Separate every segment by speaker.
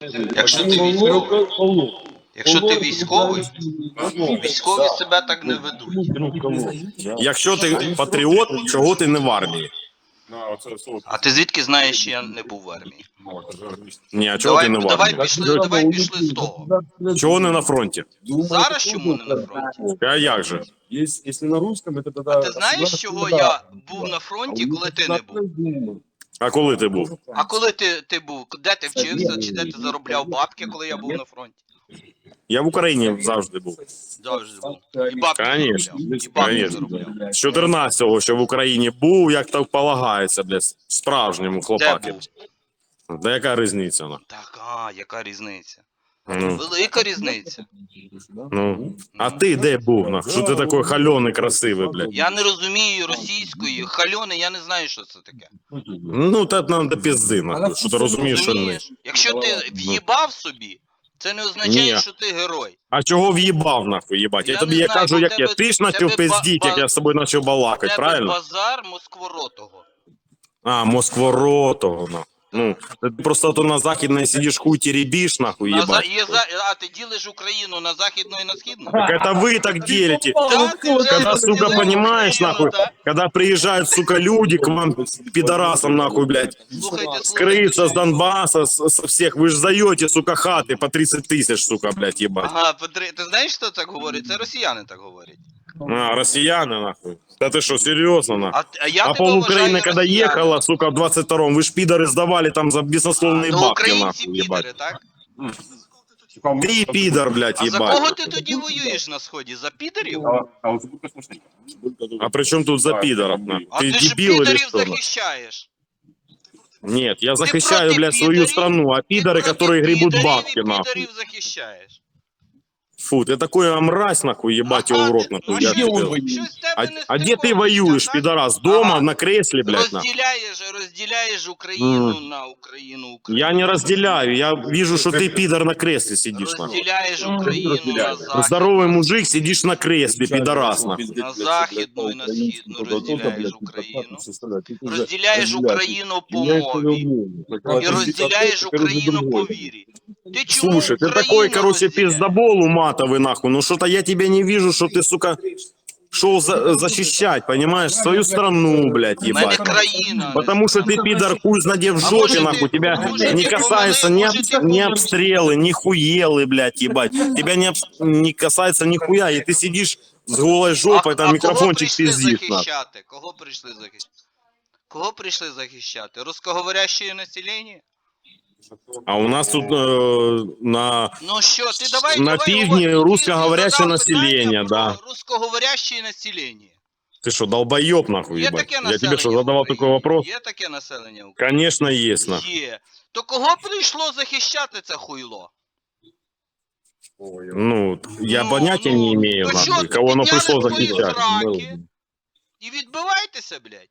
Speaker 1: Якщо ти військовий. Якщо ти військовий, військові себе так не ведуть.
Speaker 2: Якщо ти патріот, чого ти не в армії?
Speaker 1: А ти звідки знаєш, що я не був в армії?
Speaker 2: Ні, а чого ти не в армії?
Speaker 1: Давай пішли з того.
Speaker 2: Чого не на фронті?
Speaker 1: Зараз чому не на фронті?
Speaker 2: А як же?
Speaker 1: А ти знаєш, чого я був на фронті, коли ти не був?
Speaker 2: А коли ти був?
Speaker 1: А коли ти був? Де ти вчився? Чи де ти заробляв бабки, коли я був на фронті?
Speaker 2: Я в Україні завжди був.
Speaker 1: Завжди був. І бабки
Speaker 2: Конечно,
Speaker 1: заробляв. І бабки
Speaker 2: конечно.
Speaker 1: заробляв.
Speaker 2: З 14-го, що в Україні був, як так полагається, блядь, справжньому
Speaker 1: Де
Speaker 2: хлопаки.
Speaker 1: був?
Speaker 2: Да яка різниця?
Speaker 1: Так, яка різниця?
Speaker 2: Ну,
Speaker 1: Велика різниця.
Speaker 2: ну. А ти де був? Що ти такий хальоний, красивий, блядь?
Speaker 1: Я не розумію російської, хальони, я не знаю, що це таке.
Speaker 2: Ну, та нам до пізди, нахуй, що ти розумієш, що не.
Speaker 1: Розумієш? Якщо ти в'їбав собі, це не означає,
Speaker 2: Ні.
Speaker 1: що ти герой.
Speaker 2: А чого в'їбав, нахуй, їбать? Я тобі
Speaker 1: не
Speaker 2: я
Speaker 1: знаю,
Speaker 2: кажу,
Speaker 1: бо
Speaker 2: як я.
Speaker 1: тебе-
Speaker 2: Ти ж
Speaker 1: тебе
Speaker 2: начав пиздіть, як я з тобою почав балакати,
Speaker 1: Тебе
Speaker 2: правильно?
Speaker 1: базар москворотого.
Speaker 2: А, Москворотого, нахуй. Ну, ти просто то на західній сидиш, хуй теребиш, нахуй, ебать.
Speaker 1: А ти ділиш Україну на західну і на східну?
Speaker 2: Так это вы так делите.
Speaker 1: Так, ти вже
Speaker 2: Когда, сука,
Speaker 1: розділив
Speaker 2: понимаешь,
Speaker 1: Україну,
Speaker 2: нахуй,
Speaker 1: так?
Speaker 2: когда приезжают, сука, люди к вам, пидорасам, нахуй, блядь,
Speaker 1: Слухайте,
Speaker 2: с Крыса, с Донбасса, со всех, вы же даете, сука, хаты по 30 тысяч, сука, блядь, ебать.
Speaker 1: Ага, ти знаєш, хто так говорить? Це росіяни так говорять.
Speaker 2: А, россияне, нахуй. Да ты что, серьезно, нахуй?
Speaker 1: Я
Speaker 2: А
Speaker 1: тебе
Speaker 2: пол
Speaker 1: вважаю
Speaker 2: Украины, когда
Speaker 1: росіянами.
Speaker 2: ехала, сука, в 22-м, вы ж пидоры сдавали там за бесословные
Speaker 1: То
Speaker 2: бабки,
Speaker 1: українці
Speaker 2: нахуй, ебать.
Speaker 1: підери, так?
Speaker 2: Ты пидор, блядь,
Speaker 1: А за кого
Speaker 2: ебать.
Speaker 1: ти тоді воюєш на сході? За підерів?
Speaker 2: А при чем тут за пидоров, нахуй?
Speaker 1: А
Speaker 2: Ты
Speaker 1: ти ж
Speaker 2: дебил или
Speaker 1: підерів
Speaker 2: что? нахуй?
Speaker 1: захищаєш.
Speaker 2: Нет, я захищаю,
Speaker 1: проти
Speaker 2: блядь, свою
Speaker 1: підерів?
Speaker 2: страну, а пидоры,
Speaker 1: Ти
Speaker 2: которые гребут
Speaker 1: підерів
Speaker 2: бабки,
Speaker 1: і
Speaker 2: нахуй.
Speaker 1: підерів захищаєш.
Speaker 2: Фу, ты такой мразь, нахуй, ебать его в рот, нахуй, я тебе.
Speaker 1: Щось в тебе не
Speaker 2: А где ты
Speaker 1: стиковується,
Speaker 2: воюешь,
Speaker 1: так?
Speaker 2: пидорас? Дома,
Speaker 1: Ага.
Speaker 2: на кресле, блядь, нахуй?
Speaker 1: Розділяєш Україну на Україну.
Speaker 2: Я не разделяю, я вижу, что ты, пидор, на кресле сидишь, нахуй.
Speaker 1: Розділяєш Україну на захід.
Speaker 2: Здоровый мужик, сидишь на кресле, пидорас, нахуй.
Speaker 1: На західну і на східну розділяєш Україну. Розділяєш Україну по мові. І розділяєш Україну по вірі. Ти чому
Speaker 2: Слушай, ты
Speaker 1: Україну
Speaker 2: такой, короче,
Speaker 1: розділяєш?
Speaker 2: пиздобол уматовый, нахуй. Ну что-то я тебя не вижу, что ты, сука, шел защищать, понимаешь, свою страну, блядь,
Speaker 1: У мене
Speaker 2: ебать.
Speaker 1: країна.
Speaker 2: Потому что ты, пидор, хуй знаде в
Speaker 1: А
Speaker 2: жопе,
Speaker 1: может ты-
Speaker 2: нахуй, тебя
Speaker 1: может
Speaker 2: не
Speaker 1: ты
Speaker 2: касается
Speaker 1: помоги,
Speaker 2: ни,
Speaker 1: может ты
Speaker 2: ни
Speaker 1: помоги.
Speaker 2: обстрелы, ни хуелы, блядь, ебать. Тебя не касается нихуя, и ты сидишь с голой жопой, там
Speaker 1: кого
Speaker 2: микрофончик
Speaker 1: прийшли
Speaker 2: пиздишь, нахуй.
Speaker 1: захищати? Кого прийшли захищати? Кого прийшли захищати? Русскоговорящее населення?
Speaker 2: А у нас тут на...
Speaker 1: Ну що, ти давай,
Speaker 2: На
Speaker 1: давай
Speaker 2: півдні
Speaker 1: говори. Ти
Speaker 2: русскоговорящее
Speaker 1: задав
Speaker 2: населення,
Speaker 1: питання
Speaker 2: да.
Speaker 1: про русскоговорящее населення.
Speaker 2: Ты что, долбоеб, нахуй,
Speaker 1: Є
Speaker 2: ебать?
Speaker 1: таке
Speaker 2: Я
Speaker 1: населення
Speaker 2: тебе что, задавал
Speaker 1: України?
Speaker 2: такой вопрос?
Speaker 1: Є таке населення України?
Speaker 2: Конечно, есть, нахуй.
Speaker 1: Є. То кого прийшло захищати це хуйло?
Speaker 2: Ну, я понятия не имею,
Speaker 1: то що,
Speaker 2: нахуй, кого оно
Speaker 1: підняли
Speaker 2: пришло
Speaker 1: свої
Speaker 2: захищать.
Speaker 1: сраки І відбивайтеся, блядь.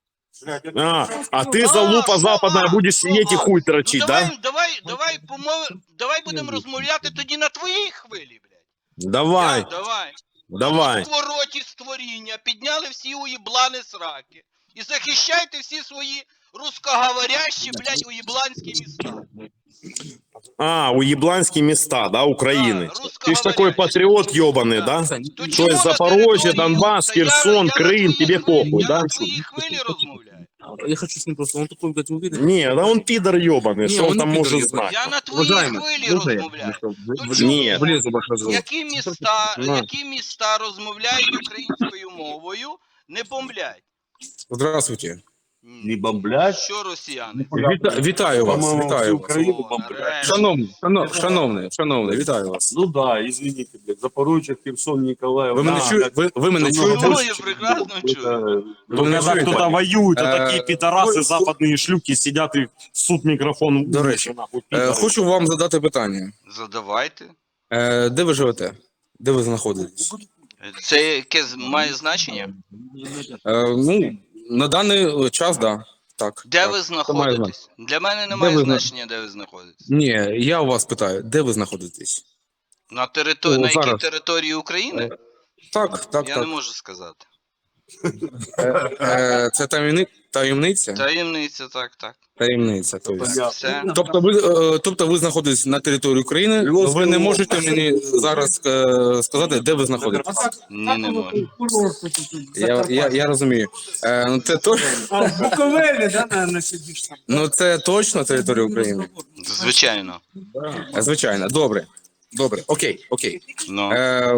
Speaker 2: А ты, залупа
Speaker 1: що?
Speaker 2: западная, будешь сидеть и хуй торчить,
Speaker 1: Ну,
Speaker 2: да?
Speaker 1: давай будемо розмовляти тоді на твоїй хвилі, блядь.
Speaker 2: Давай,
Speaker 1: Давай.
Speaker 2: давай.
Speaker 1: Твороті створіння, підняли всі уєблани сраки. І захищайте всі свої русскоговорящі, блядь, уєбланські міста.
Speaker 2: А, уебланские места, да, Украины.
Speaker 1: Да,
Speaker 2: Ты ж такой патриот ебаный, да?
Speaker 1: То
Speaker 2: То
Speaker 1: чому
Speaker 2: есть
Speaker 1: на
Speaker 2: Запорожье,
Speaker 1: території-
Speaker 2: Донбасс,
Speaker 1: Та я
Speaker 2: Херсон,
Speaker 1: на
Speaker 2: Крым,
Speaker 1: твоїй
Speaker 2: тебе
Speaker 1: хвилі,
Speaker 2: похуй,
Speaker 1: я
Speaker 2: да?
Speaker 1: на твоїй хвилі розмовляю.
Speaker 3: Я хочу с ним просто, он такой, блядь, уверенный.
Speaker 2: Не, да он пидор ебаный,
Speaker 3: Не,
Speaker 2: что он
Speaker 3: он
Speaker 2: там
Speaker 3: не пидор
Speaker 2: может
Speaker 3: ебаный.
Speaker 2: знать?
Speaker 1: Я на твоїй
Speaker 3: Уважаемый,
Speaker 1: хвилі
Speaker 3: можно я?
Speaker 1: розмовляю.
Speaker 3: В-
Speaker 1: чому?
Speaker 2: Ні.
Speaker 3: Влезу в ваш разговор.
Speaker 1: Які міста розмовляють українською мовою, не бомблять.
Speaker 3: Здравствуйте.
Speaker 4: Не бомблять.
Speaker 1: Що росіяни?
Speaker 3: Вітаю вас,
Speaker 4: По-моему,
Speaker 3: вітаю
Speaker 4: всю
Speaker 3: вас.
Speaker 4: Украину
Speaker 1: О,
Speaker 4: бомблять.
Speaker 1: нарешті.
Speaker 3: Шановний, вітаю вас.
Speaker 4: Ну да, извините, блядь, Запорожье, Херсон, Николаев.
Speaker 3: Ви мене чуєте? Ви мене чуєте?
Speaker 1: Ну, я прекрасно чую.
Speaker 3: Ви мене
Speaker 2: Когда
Speaker 3: чуєте?
Speaker 2: кто-то воюет, а
Speaker 3: Э,
Speaker 2: такие пидорасы, западные шлюки сидят и суд микрофон.
Speaker 3: До речі,
Speaker 2: нахуй, пидоры.
Speaker 3: Хочу вам задати питання.
Speaker 1: Задавайте.
Speaker 3: Де ви живете? Де ви знаходитесь?
Speaker 1: Це яке має значення?
Speaker 3: Ну, на даний час, да. Так.
Speaker 1: Де
Speaker 3: так.
Speaker 1: ви
Speaker 3: Це має
Speaker 1: знаходитесь? Для мене немає
Speaker 3: ви зна-
Speaker 1: значення, де ви знаходитесь.
Speaker 3: Ні, я у вас питаю, де ви знаходитесь?
Speaker 1: На
Speaker 3: О,
Speaker 1: якій
Speaker 3: зараз.
Speaker 1: території України?
Speaker 3: Так.
Speaker 1: Я не можу сказати.
Speaker 3: Це таємниця?
Speaker 1: Таємниця, так.
Speaker 3: Таємниця.
Speaker 1: Все.
Speaker 3: Тобто ви знаходитесь на території України, але ви не можете мені зараз сказати, де ви знаходитесь.
Speaker 1: Ні, не можу.
Speaker 3: Я розумію. Ну, це точно.
Speaker 5: Буковелі, да, наверное, сидиш там.
Speaker 3: Ну це точно територія України.
Speaker 1: Звичайно.
Speaker 3: Звичайно, добре. Добре, окей.
Speaker 1: Ну.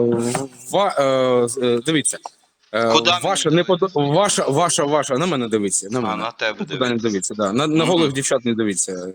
Speaker 3: Дивіться.
Speaker 1: Куди
Speaker 3: Ваша, на мене дивіться. На мене.
Speaker 1: На тебе
Speaker 3: Куди не дивіться, да. На голих дівчат не дивіться.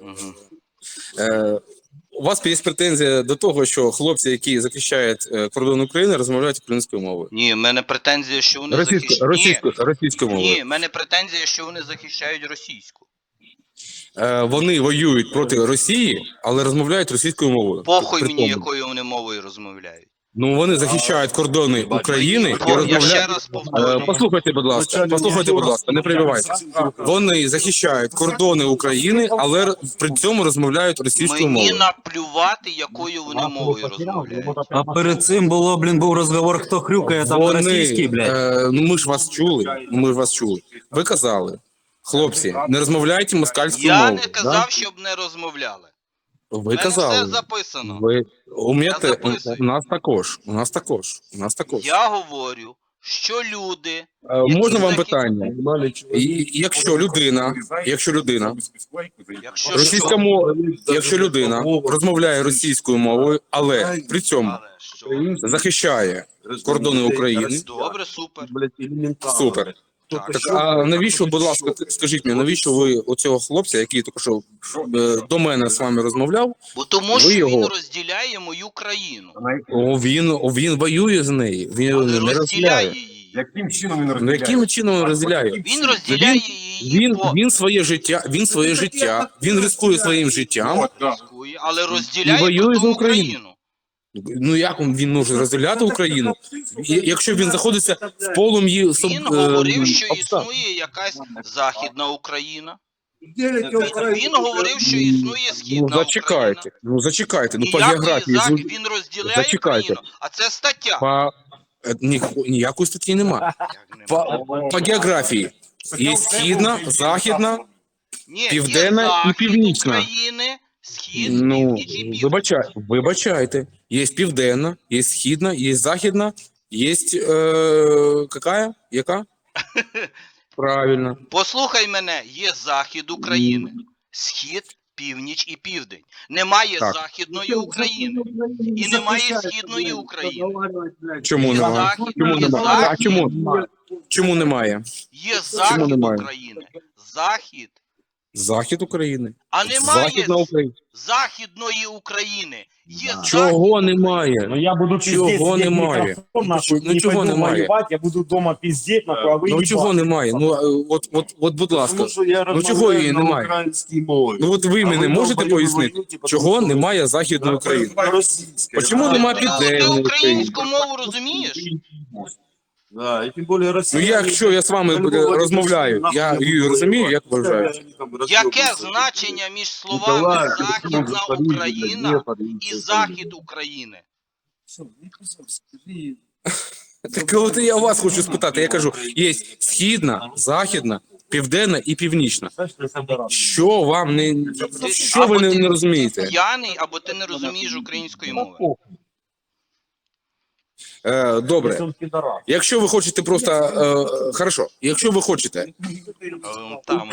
Speaker 3: У вас є претензія до того, що хлопці, які захищають кордон України, розмовляють українською мовою.
Speaker 1: Ні, в мене претензія, що вони
Speaker 3: Російською мовою.
Speaker 1: Ні, в мене претензія, що вони захищають російську.
Speaker 3: Вони воюють проти Росії, але розмовляють російською мовою.
Speaker 1: Похуй
Speaker 3: При
Speaker 1: мені,
Speaker 3: тому.
Speaker 1: якою вони мовою розмовляють.
Speaker 3: Ну, вони захищають кордони України і
Speaker 1: Я ще
Speaker 3: розмовляють.
Speaker 1: раз повторю.
Speaker 3: Послухайте, будь ласка, не перебивайте. Вони захищають кордони України, але при цьому розмовляють російською
Speaker 1: Мені
Speaker 3: мовою.
Speaker 1: наплювати, якою вони мовою розмовляють.
Speaker 6: А перед цим було, був розговор, хто хрюкає там на російській, блядь.
Speaker 3: Ну ми ж вас чули. Ви казали, хлопці, не розмовляйте москальською
Speaker 1: Я
Speaker 3: мовою.
Speaker 1: не казав, щоб не розмовляли.
Speaker 3: Ви
Speaker 1: У мене
Speaker 3: казали.
Speaker 1: все записано.
Speaker 3: У нас також.
Speaker 1: Я говорю, що люди,
Speaker 3: Можна вам
Speaker 1: захи-
Speaker 3: питання? Якщо людина
Speaker 1: якщо
Speaker 3: якщо людина розмовляє російською мовою, але при цьому
Speaker 1: Але що?
Speaker 3: захищає кордони України,
Speaker 1: Добре, супер.
Speaker 3: супер. Так, а навіщо, будь ласка, скажіть мені, навіщо ви оцього хлопця, який тільки що до мене з вами розмовляв,
Speaker 1: Бо тому
Speaker 3: Ви
Speaker 1: що він
Speaker 3: його-
Speaker 1: розділяє мою країну.
Speaker 3: він воює з нею, він
Speaker 1: Але
Speaker 3: не
Speaker 1: розділяє
Speaker 3: розділяє.
Speaker 1: її.
Speaker 4: Яким чином він
Speaker 3: Ну яким чином він розділяє?
Speaker 1: Він розділяє її по
Speaker 3: Він своє життя, він ризикує своїм життям.
Speaker 1: Москві, але розділяє
Speaker 3: І воює
Speaker 1: при тому
Speaker 3: за Україну.
Speaker 1: Україну.
Speaker 3: Ну як він може розділяти Україну, якщо він знаходиться в полум'ї
Speaker 1: Він говорив, що
Speaker 3: обставин?
Speaker 1: існує якась Західна Україна.
Speaker 5: Делите Україну.
Speaker 1: Він говорив, що існує Східна Україна.
Speaker 3: Зачекайте, по
Speaker 1: Ніякої
Speaker 3: географії.
Speaker 1: він розділяє
Speaker 3: Зачекайте.
Speaker 1: Україну, а це стаття.
Speaker 3: Ніякої статті нема. По географії є східна, західна.
Speaker 1: Ні,
Speaker 3: Південна
Speaker 1: є
Speaker 3: і
Speaker 1: Захід
Speaker 3: Північна.
Speaker 1: України, Схід,
Speaker 3: Ну,
Speaker 1: Північ і Південь.
Speaker 3: вибачайте. Є південна, є східна, є західна, є яка? Правильно.
Speaker 1: Послухай мене, є Захід України, Схід, Північ і Південь. Немає
Speaker 3: Так.
Speaker 1: Західної України і немає Східної України.
Speaker 3: Чому
Speaker 1: Є
Speaker 3: немає?
Speaker 1: Захід,
Speaker 3: Чому
Speaker 1: є
Speaker 3: немає? А
Speaker 1: Захід,
Speaker 3: чому немає?
Speaker 1: є Захід
Speaker 3: немає?
Speaker 1: України, Захід,
Speaker 3: Захід України.
Speaker 1: а немає
Speaker 3: Західна Україна.
Speaker 1: Західної України. Є
Speaker 3: Чого немає?
Speaker 7: Ну я буду
Speaker 3: Чого
Speaker 7: пиздеть, сидеть в
Speaker 3: немає?
Speaker 7: микрофон нахуй,
Speaker 3: Ну,
Speaker 7: не
Speaker 3: чого
Speaker 7: пойду
Speaker 3: немає?
Speaker 7: воювати, я буду дома пиздеть, нахуй, а ви
Speaker 3: Ну чого
Speaker 7: їбать.
Speaker 3: немає? От, будь ласка.
Speaker 4: Тому що я
Speaker 3: чого
Speaker 4: розмовляю
Speaker 3: її
Speaker 4: на
Speaker 3: немає?
Speaker 4: українській мові.
Speaker 3: Ну от ви
Speaker 4: А
Speaker 3: мені можете
Speaker 4: долбойоби
Speaker 3: пояснити,
Speaker 4: воюєте,
Speaker 3: чого
Speaker 4: тому що
Speaker 3: немає Західної України?
Speaker 4: російська.
Speaker 3: Чому немає
Speaker 1: Ти
Speaker 3: Південної України?
Speaker 1: українську мову розумієш?
Speaker 4: Да, і тим більше
Speaker 3: Ну
Speaker 4: Росія.
Speaker 3: якщо я з вами розмовляю, я її розумію, як вважаю.
Speaker 1: Яке значення між словами Західна Україна і Захід України?
Speaker 3: Так от я вас хочу спитати, я кажу, є східна, західна, південна і північна. Що вам що ви не розумієте?
Speaker 1: П'яний або ти не розумієш української мови.
Speaker 3: Добре, якщо ви хочете просто, хорошо, якщо ви хочете
Speaker 1: Там,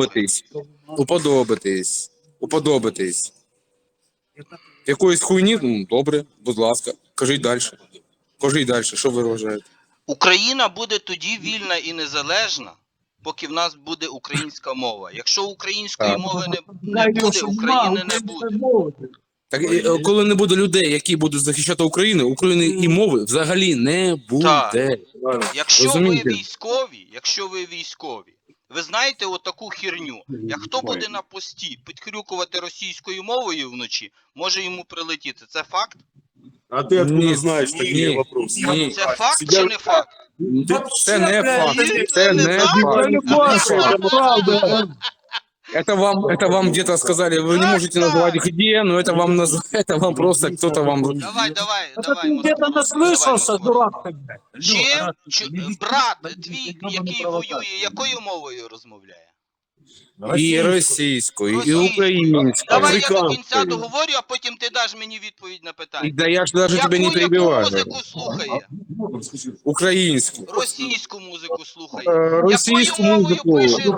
Speaker 3: уподобитись якоїсь хуйні, ну, добре, будь ласка, кажіть далі. Що ви вважаєте?
Speaker 1: Україна буде тоді вільна і незалежна, поки в нас буде українська мова. Якщо української мови не буде, України не буде.
Speaker 3: Так, коли не буде людей, які будуть захищати Україну, України і мови взагалі не буде.
Speaker 1: Якщо
Speaker 3: Розумієте?
Speaker 1: ви військові, ви знаєте отаку херню. Як хто буде на пості підхрюкувати російською мовою вночі, може йому прилетіти. Це факт?
Speaker 4: А ти откуда
Speaker 3: Ні,
Speaker 4: знаєш такі
Speaker 3: ні,
Speaker 4: вопроси?
Speaker 3: ні.
Speaker 1: Це факт чи не факт?
Speaker 3: Це не факт. Це не факт. Это вам где-то сказали, вы не можете назвать где, но это вам просто кто-то вам...
Speaker 1: Давай,
Speaker 5: Ты где-то наслышался, дурак ты, блядь.
Speaker 1: Брат твій, який воює, якою мовою розмовляє?
Speaker 3: І російською, і
Speaker 1: Російською.
Speaker 3: українською,
Speaker 1: Давай я до кінця
Speaker 3: африканською.
Speaker 1: договорю, а потім ти даш мені відповідь на питання.
Speaker 3: Да я ж даже тебе не
Speaker 1: Яку
Speaker 3: перебиваю.
Speaker 1: музику слухає?
Speaker 3: Українську.
Speaker 1: Російську музику слухає.
Speaker 3: Російську
Speaker 1: Якою
Speaker 3: музику.
Speaker 1: мовою пише,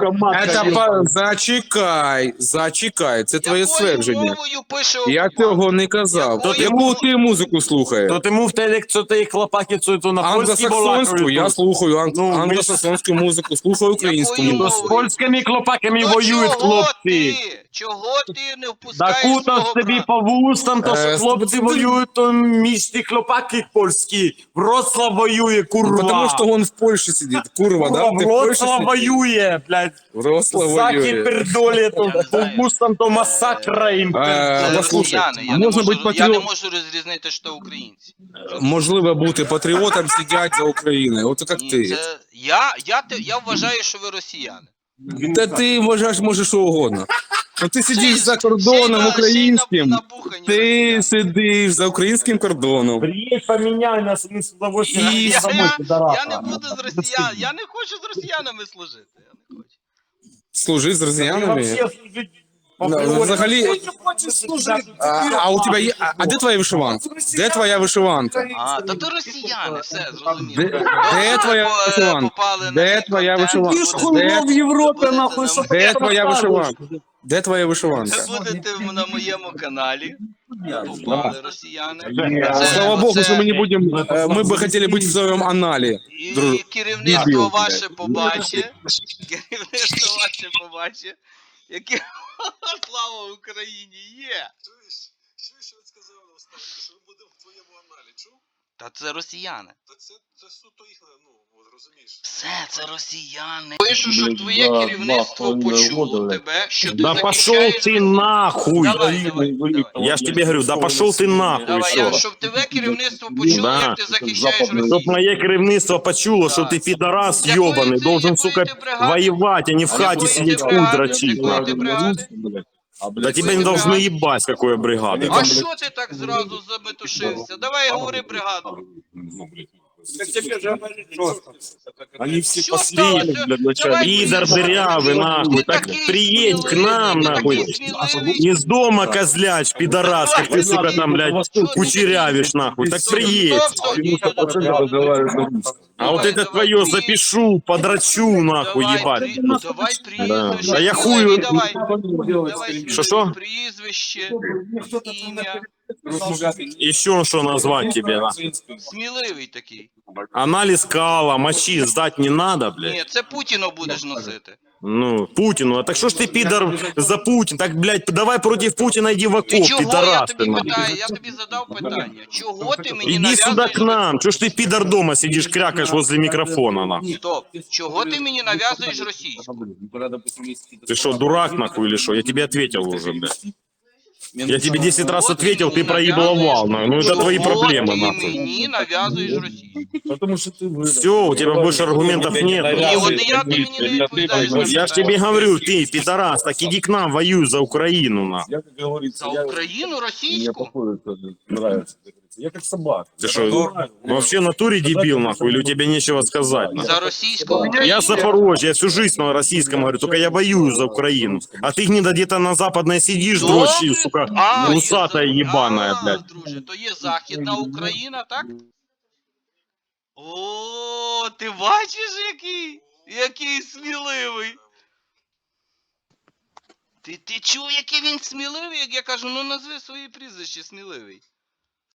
Speaker 3: Зачекай, це твоє
Speaker 1: якою
Speaker 3: ствердження.
Speaker 1: мовою пише
Speaker 3: Я
Speaker 1: окупант?
Speaker 3: цього не казав.
Speaker 1: Якою
Speaker 3: Яку
Speaker 1: мовою?
Speaker 3: ти музику слухаєш?
Speaker 2: То ти мов те, ти хлопаки, то на польській
Speaker 3: Англосаксонську, я слухаю
Speaker 2: Ну, ми ж-
Speaker 3: англосаксонську музику, слухаю українську
Speaker 1: Якою
Speaker 3: музику.
Speaker 2: З польськими хлопаками
Speaker 1: То
Speaker 2: воюють
Speaker 1: чого
Speaker 2: хлопці.
Speaker 1: ти? Чого ти не
Speaker 2: Да
Speaker 1: впускаєш
Speaker 2: кута
Speaker 1: свого
Speaker 2: тобі
Speaker 1: брата?
Speaker 2: по вустам, то що хлопці
Speaker 3: ти-
Speaker 2: воюють, то між ті хлопаки польські. Вроцлав воює, курва.
Speaker 3: Потому что он в Польше сидит, курва, да? Ты в Польше
Speaker 2: Вроцлав
Speaker 3: сидишь?
Speaker 2: воює, блядь.
Speaker 3: Вроцлав
Speaker 2: Заки
Speaker 3: воює.
Speaker 2: пердолі, то
Speaker 1: Я не
Speaker 2: по
Speaker 1: знаю.
Speaker 2: вустам, то масакра їм.
Speaker 1: Це
Speaker 3: послухай,
Speaker 1: росіяни, я
Speaker 3: можна
Speaker 1: не
Speaker 3: бути
Speaker 1: можу, я не
Speaker 3: патріот-
Speaker 1: можу розрізнити, що українці.
Speaker 3: Можливо бути патріотом, сидять за Україною. От як
Speaker 1: Ні,
Speaker 3: ти.
Speaker 1: це, я вважаю, що ви росіяни.
Speaker 3: Та ти вважаєш, може, що угодно. Ну ти сидиш
Speaker 1: Ще й-
Speaker 3: за
Speaker 1: ще й
Speaker 3: кордоном
Speaker 1: на-
Speaker 3: українським.
Speaker 1: ще й набухані
Speaker 3: Ти
Speaker 1: росіяни.
Speaker 3: сидиш за українським кордоном.
Speaker 2: Приїдь, поміняй нас, ми з удовольствием.
Speaker 3: І-
Speaker 1: Я не буду з росіян, я не хочу з росіянами служити. Я не хочу.
Speaker 3: Служи з росіянами.
Speaker 2: Вообще служить по
Speaker 3: Ну,
Speaker 2: природі.
Speaker 3: взагалі,
Speaker 5: Хочеш служити?
Speaker 3: а у тебе є. А де твоя вишиванка? Де твоя вишиванка?
Speaker 1: А, та то росіяни, все,
Speaker 3: Де,
Speaker 1: зрозуміло.
Speaker 3: де твоя вишиванка?
Speaker 1: Попали на
Speaker 3: Де
Speaker 1: цей
Speaker 3: твоя
Speaker 1: контент.
Speaker 3: вишиванка?
Speaker 5: Ти ж хуйло в Європі, нахуй, що
Speaker 3: Де
Speaker 5: ти
Speaker 3: твоя
Speaker 5: розказуєш?
Speaker 3: вишиванка? Де твоя вишиванка?
Speaker 1: Ви будете на моєму каналі. Попали росіяни.
Speaker 3: Слава Богу,
Speaker 1: це-
Speaker 3: що ми не будемо. Мы бы хотели быть в своем анале.
Speaker 1: І
Speaker 3: друг-
Speaker 1: керівництво
Speaker 3: дебіл,
Speaker 1: ваше побачить. Керівництво ваше побачить. Яке слава Україні є.
Speaker 8: Чуєш, він сказав на останнє, що ми будемо в твоєму аналі, чув?
Speaker 1: Та це росіяни.
Speaker 8: Та це суто їх, ну, от розумієш.
Speaker 1: Все, це росіяни. Пишу, щоб твоє керівництво почуло тебе, що ти
Speaker 2: Да пошел
Speaker 1: захищаєш.
Speaker 2: ты нахуй.
Speaker 1: Давай.
Speaker 2: Я ж тебе говорю, да пошел ты нахуй.
Speaker 1: Давай,
Speaker 2: Що?
Speaker 1: щоб тебе керівництво почуло,
Speaker 2: Да.
Speaker 1: як ти захищаєш
Speaker 2: Чтоб
Speaker 1: Росію.
Speaker 2: моє керівництво почуло, що ти підарас
Speaker 1: Якої
Speaker 2: йобаний,
Speaker 1: ти-
Speaker 2: должен,
Speaker 1: якої
Speaker 2: сука,
Speaker 1: ти бригади?
Speaker 2: воевать, а не в хаті
Speaker 1: Якої
Speaker 2: сидеть
Speaker 1: ти
Speaker 2: хуй
Speaker 1: бригади?
Speaker 2: дрочить.
Speaker 1: Якої ти бригади?
Speaker 2: Да тебя не должны ебать, какой бригады.
Speaker 1: А що ти так зразу заметушився? Давай говори бригаду.
Speaker 4: Они все
Speaker 1: Що
Speaker 4: посмели,
Speaker 1: сталося?
Speaker 4: блядь, начальник.
Speaker 1: Давай
Speaker 2: Пидор
Speaker 1: приїзд.
Speaker 2: дырявый, нахуй.
Speaker 1: Ти
Speaker 2: Так
Speaker 1: такий
Speaker 2: приедь к
Speaker 1: сміливий,
Speaker 2: нам,
Speaker 1: ти
Speaker 2: нахуй.
Speaker 1: такий сміливий.
Speaker 2: Из дома, козляч, пидорас, как ты, сука, там, блядь, кучерявишь, нахуй. Так приедь.
Speaker 1: Стоп, стоп,
Speaker 2: А вот это твое запишу, подрачу, нахуй, ебать.
Speaker 1: Давай
Speaker 2: Да.
Speaker 1: прізвище.
Speaker 2: Да я
Speaker 1: сміливий,
Speaker 2: хую.
Speaker 1: Давай. Давай
Speaker 2: Що?
Speaker 1: прізвище, ім'я.
Speaker 2: Еще что назвать тебе, нахуй?
Speaker 1: Сміливий такий.
Speaker 2: Анализ кала, мочи сдать не надо, блядь.
Speaker 1: Ні, це Путіну будеш носити.
Speaker 2: Ну, Путину, а так что ж ты, пидор, за Путин? Так, блядь, давай против Путина иди в
Speaker 1: І
Speaker 2: окоп,
Speaker 1: чого я
Speaker 2: пидорас ты,
Speaker 1: тобі
Speaker 2: нахуй.
Speaker 1: питаю? Я тобі задав питання. Чого ти мені
Speaker 2: Иди сюда
Speaker 1: нав'язуєш?
Speaker 2: к нам. Чё ж ты, пидор, дома сидишь, крякаешь возле микрофона, нахуй?
Speaker 1: Стоп. Чого ти мені нав'язуєш російську?
Speaker 2: Ты что, дурак, нахуй, или что? Я тебе ответил уже, блядь. Я тебе 10 раз ответил, ты проебаловал, нахуй. Ну, это твои проблемы,
Speaker 1: Ти
Speaker 2: нахуй.
Speaker 1: мені нав'язуєш російську.
Speaker 2: Все, у тебя больше аргументов нет.
Speaker 1: І
Speaker 2: нахуй.
Speaker 1: от я ти мені не відповідаєш. на
Speaker 2: Я ж тебе
Speaker 1: питання.
Speaker 2: говорю, ты, пидорас, так иди к нам, воюй за Украину, нахуй.
Speaker 4: Я, как говорится,
Speaker 1: За Україну
Speaker 4: мне
Speaker 1: російську?
Speaker 4: походу это нравится. как говорится. Я как собака.
Speaker 2: Ты что, вообще в натуре дебил, нахуй, или у тебя нечего сказать, нахуй?
Speaker 1: За російську Україну?
Speaker 2: Я Запорожье, я всю жизнь на российском говорю, только я воюю за Украину. А ты гнида где-то на западной сидишь, дрочишь, сука,
Speaker 1: є
Speaker 2: усатая
Speaker 1: за-
Speaker 2: ебаная,
Speaker 1: А,
Speaker 2: блядь.
Speaker 1: друже, то є Західна Україна, так? О, ти бачиш, який сміливий. Ти чув, який він сміливий, як я кажу, ну назви свої прізвище сміливий.